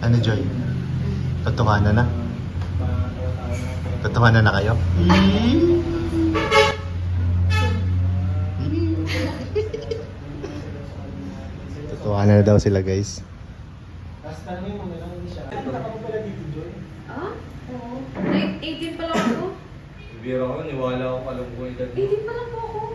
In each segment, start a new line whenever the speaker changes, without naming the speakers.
Ano, Joy? Totohanan na? Totohanan na kayo? Totohanan na daw sila, guys.
Tapos tanongin mo na lang hindi siya. Ano ka pa pala dito, Joy?
Ah? Oo. 18 pa lang ako.
Bira ko, niwala ko palang po edad.
18 pa lang po ako.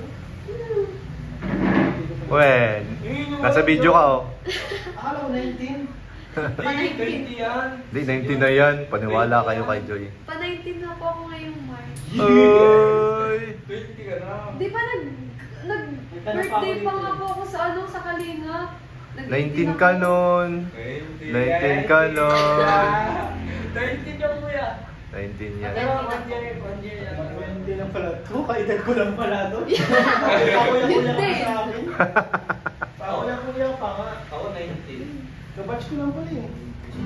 Wen, nasa video ka, oh.
Akala ko 19.
20 yan.
Hindi, 19 na yan. Paniwala kayo kay Joy.
Pa 19 na po ako ngayong March.
Oy!
20 ka na.
Di ba nag-birthday pa nga po ako sa sa Kalinga.
19 ka nun. 19 ka nun.
19 ka kuya.
19 yan.
Pero 1 year yan.
20 lang pala to. Kaedad ko lang pala to. Ako yung kuya ka sa akin. Ako yung kuya pa nga.
Ako 19.
Kabatch ko lang pala eh.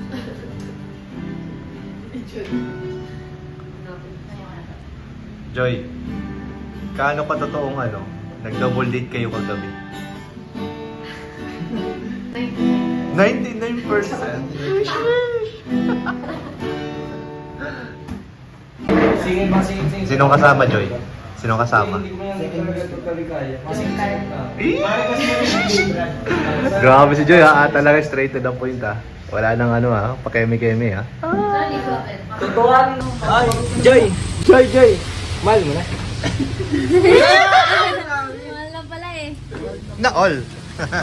Joy, kaano pa totoong ano? Nag-double date kayo kagabi? 99%.
Sige pa, sige.
Sinong kasama, Joy? Sinong kasama?
Hindi ko yan talaga totally kaya. Kasi kaya na.
Bakit kasi yung Brad?
Grabe si Joy, ha? Talaga straight to the point, ha? Wala nang ano, ha? Pakeme-keme, ha?
Tutuan. Ay, Joy. Mahal mo na.
Mahal lang pala eh.
Na all!